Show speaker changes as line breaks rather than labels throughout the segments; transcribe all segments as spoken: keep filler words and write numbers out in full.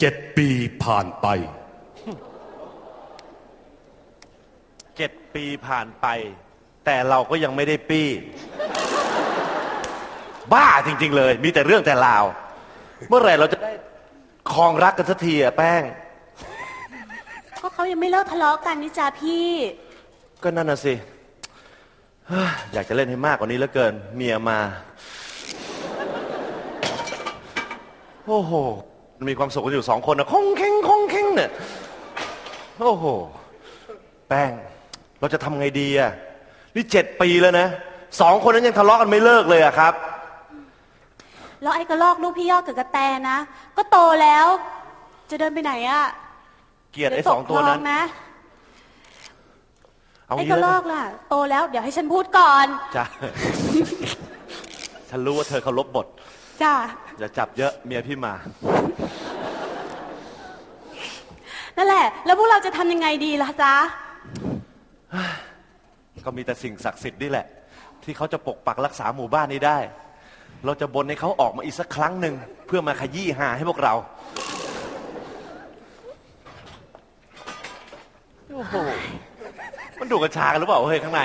เจ็ดปีผ่านไป
เจ็ดปีผ่านไปแต่เราก็ยังไม่ได้ปี้บ้าจริงๆเลยมีแต่เรื่องแต่ราวเมื่อไหร่เราจะได้ครองรักกันสักทีอะแป้ง
ก็เขายังไม่เลิกทะเลาะกันนี่จ้าพี่
ก็นั่นน่ะสิอยากจะเล่นให้มากกว่านี้เหลือเกินเมียมาโอ้โหมันมีความสุขกันอยู่สองคนนะคงเค้งคงเค้งเนี่ยโอ้โหแป้งเราจะทำไงดีอะนี่เจ็ดปีแล้วนะสองคนนั้นยังทะเลาะกันไม่เลิกเลยอะครับ
แล้วไอ้กระลอกลูกพี่ยอดกับกระแตนะก็โตแล้วจะเดินไปไหนอะ
เกลียดไอ้สองตัวนั้น
นะไอ้กระลอกล่ะโตแล้วเดี๋ยวให้ฉันพูดก่อน
จ้าฉันรู้ว่าเธอเคารพบท
จ้า
อย่าจับเยอะเมียพี่มา
นั่นแหละแล้วพวกเราจะทำยังไงดีล่ะจ๊ะ
ก็มีแต่สิ่งศักดิ์สิทธิ์นี่แหละที่เขาจะปกปักรักษาหมู่บ้านนี้ได้เราจะบนให้เขาออกมาอีกสักครั้งหนึ่งเพื่อมาขยี้หาให้พวกเราโอ้โหมันดูกระชากันหรือเปล่าเฮ้ยข้างใน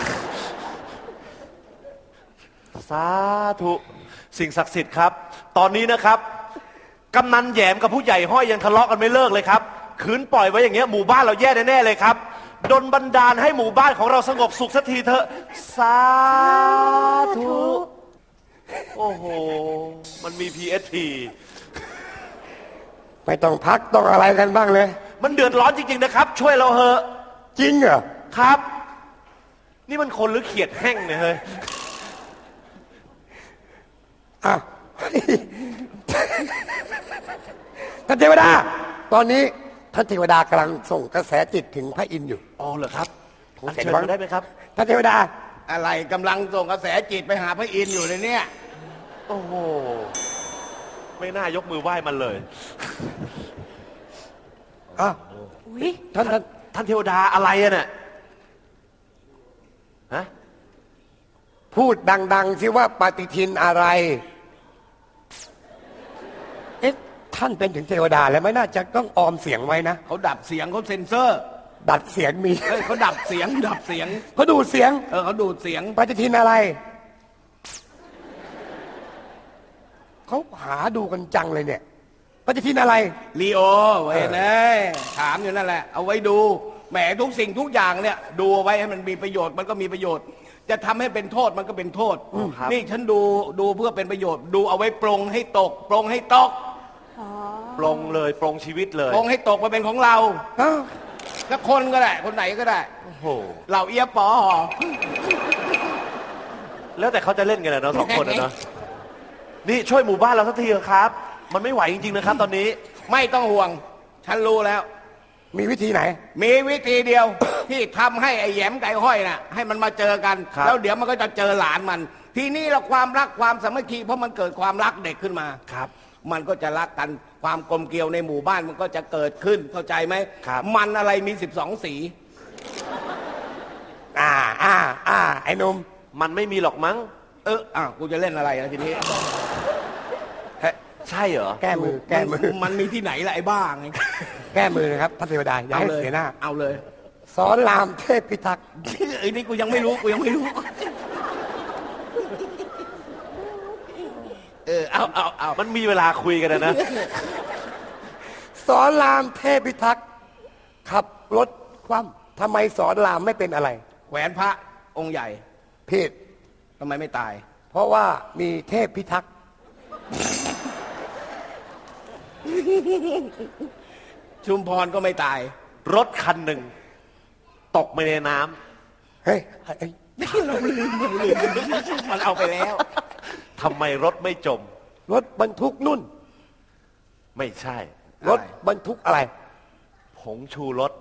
สาธุสิ่งศักดิ์สิทธิ์ครับตอนนี้นะครับกำนันแหยมกับผู้ใหญ่ห้อยยังทะเลาะกันไม่เลิกเลยครับขืนปล่อยไว้อย่างเงี้ยหมู่บ้านเราแย่แน่ๆเลยครับดลบันดาลให้หมู่บ้านของเราสงบสุขสักทีเถอะสาธุโอ้โหมันมี พี เอส พี
ไม่ต้องพักต้องอะไรกันบ้างเลย
มันเดือดร้อนจริงๆนะครับช่วยเราเถอะ
จริงเหรอ
ครับนี่มันคนหรือเขียดแห้งเนี่ยเฮ้ย
อ่ะท่านเทวดาตอนนี้ท่านเทวดากำลังส่งกระแสจิตถึงพระอินทร์อยู่
อ๋อเหรอครับเชิญมาได้ไหมครับ
ท่านเทวดา
อะไรกำลังส่งกระแสจิตไปหาพระอินทร์อยู่เลยเนี่ย
โอ้โหไม่น่ายกมือไหว้มันเลย
อ่ะท่านท่าน
ท่านเทวดาอะไรอะเนี่ยฮะ
พูดดังๆสิว่าปฏิทินอะไรเอ๊ะท่านเป็นถึงเทวดาแล้วไม่น่าจะต้องออมเสียงไว้นะ
เขาดับเสียงเขาเซ็นเซอร์
ดัดเสียงมี
เขาดับเสียงดับเสียง
เขาดูดเสียง
เออเขาดูดเสียง
ปฏิทินอะไรเขาหาดูกันจังเลยเนี่ยปฏิทินอะไร
ลีโอเว้ยนะถามอยู่นั่นแหละเอาไว้ดูแหมทุกสิ่งทุกอย่างเนี่ยดูเอาไว้ให้มันมีประโยชน์มันก็มีประโยชน์จะทำให้เป็นโทษมันก็เป็นโทษนี่ฉันดูดูเพื่อเป็นประโยชน์ดูเอาไว้ปรงให้ตกปรงให้ตก
ปรงเลยปรงชีวิตเลย
ปรงให้ตกมาเป็นของเราแล้วคนก็ได้คนไหนก็ได้
โอ้โห
เหล่าเอียปอ
แล้วแต่เขาจะเล่นกันนะสองคนนะนี่ช่วยหมู่บ้านเราสักทีเถอะครับมันไม่ไหวจริงๆนะครับตอนนี้
ไม่ต้องห่วงฉันรู้แล้ว
มีวิธีไหน
มีวิธีเดียว ที่ทำให้ไอ้แหยมไก่ห้อยน่ะให้มันมาเจอกันแล้วเดี๋ยวมันก็จะเจอหลานมันทีนี้เราความรักความสามัคคีเพราะมันเกิดความรักเด็กขึ้นมา
ครับ
มันก็จะรักกันความกลมเกลียวในหมู่บ้านมันก็จะเกิดขึ้นเข้าใจไหม
ครับ
มันอะไรมีสิบสองสี
อ่าอ่าอ่าไอ้นุ่ม
มันไม่มีหรอกมั้ง
เอออ่ะกูจะเล่นอะไรนะทีนี้
ใช่เหรอ
แก้มือแก้มือ
มันมีที่ไหนล่ะไอ้บ้าไง
แก้มือนะครับท่านเทวดาอย่าให้เสียหน้า
เอาเลย
สอนรามเทพพิทักษ์
ไอ้นี่กูยังไม่รู้กูยังไม่รู้
เออเอาเอาเอามันมีเวลาคุยกันนะ
สอนรามเทพพิทักษ์ขับรถคว่ำทำไมสอนรามไม่เป็นอะไร
แขวนพระองค์ใหญ่
ผิด
ทำไมไม่ตาย
เพราะว่ามีเทพพิทักษ์
ชุมพรก็ไม่ตาย
รถคันหนึ่งตกไปในน้
ำเฮ้ย
เราลืมเราลืมมันเอาไปแล้ว
ทำไมรถไม่จม
รถบรรทุกนุ่น
ไม่ใช่
รถบรรทุกอะไร
ผงชูรส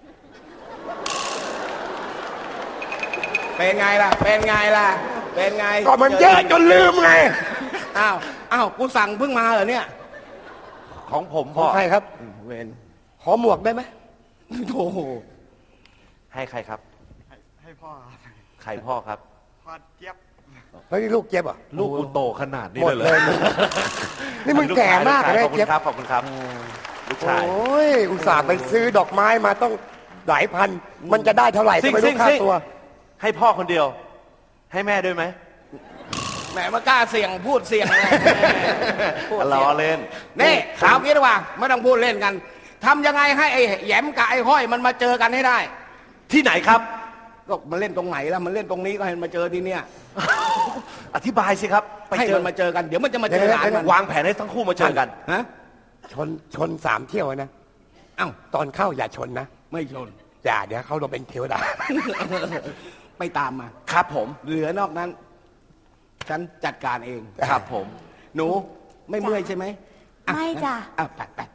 เป็นไงล่ะเป็นไงล่ะเป็นไง
ก็มันเยอะจนลืมไง
อ้าวอ้าวกูสั่งเพิ่งมาเหรอเนี่ย
ของผม
พ่อใครครับ
เวน
ขอหมวกได้ไหม
โอ้โห
ให้ใครครับ
ให้พ่อ
ใครพ่อครับ
พ่อเจี๊ยบ
เฮ้ยนี่ลูกเจี๊ยบเหรอ่ะ
ลูกกูโตขนาดนี้
หมด
เลย
เลย นี่มึงแก่มาก
เล
เลย ย
ขอบคุ
เจี๊ย
ณ
บ
ครับขอบคุณครับลูก
โอ
ชาย
้ยอุตส่าห์ไปซื้อดอกไม้มาต้องหลายพัน มันจะได้เท่าไหร่
ซิ่
จะ
ง
ไป
ซิ่
รู้
ง
ค่า
ซิ่ง
ตัว
ให้พ่อคนเดียว ให้แม่ด้วยไหม
แหมมากล้าเสี่ยงพูดเสี่ยงเลยพูด
ล้
เสี่ย
อง เล่น
นี่ข่าวนี้ดีกว่าไม่ต้องพูดเล่นกันทำยังไงให้ไอ้แหยมกับไอ้ห้อยมันมาเจอกันให้ได้
ที่ไหนครับ
ก็มันเล่นตรงไหนล่ะมันเล่นตรงนี้ก็ให้มันมาเจอที่เนี่ย
อธิบายสิครับไป
ให้
เจอ
มันมาเจอกันเดี๋ยวมันจะมาเจอ
เดี๋ยว
หลานมัน
วางแผนให้ทั้งคู่มาเจอกัน
ฮะ
ชนชนสามเที่ยวนะ
เอ้า
ตอนเข้าอย่าชนนะ
ไม่ชน
อย่าเดี๋ยวเขาเราเป็นเทวดา
ไม่ตามมา
ครับผม
เหลือนอกนั้น ฉันจัดการเอง
ครับผม
หนูไม่เมื่อยใช่ไหมอ่
ไม่จ้ะ
อ่ะไปไป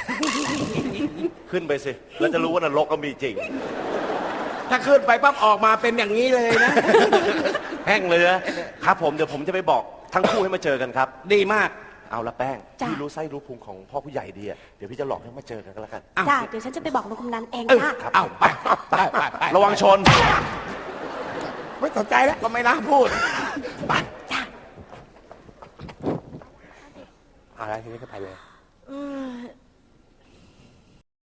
ขึ้นไปสิแล้วจะรู้ว่านรกก็มีจริง
ถ้าขึ้นไปปั๊บออกมาเป็นอย่างนี้เลยนะ
แห้งเลยนะครับผมเดี๋ยวผมจะไปบอกทั้งคู่ให้มาเจอกันครับ
ดีมาก
เอาละแป้ง
จ้ะ
พี่รู้ไส้รู้พุงของพ่อผู้ใหญ่ดีอะเดี๋ยวพี่จะหลอกให้มาเจอกันก็แล้วกัน
อ้าว
จ้ะเดี๋ยวฉันจะไปบอกลุงกำนันเอง
เออ
จ้ะ
เอาไปไปไปไประ
วังชน
ไม่สนใจแล้ว
ก็ไม่น่าพูด
จ้ะ
อะไรทีนี้ก็ไปเลย
เออ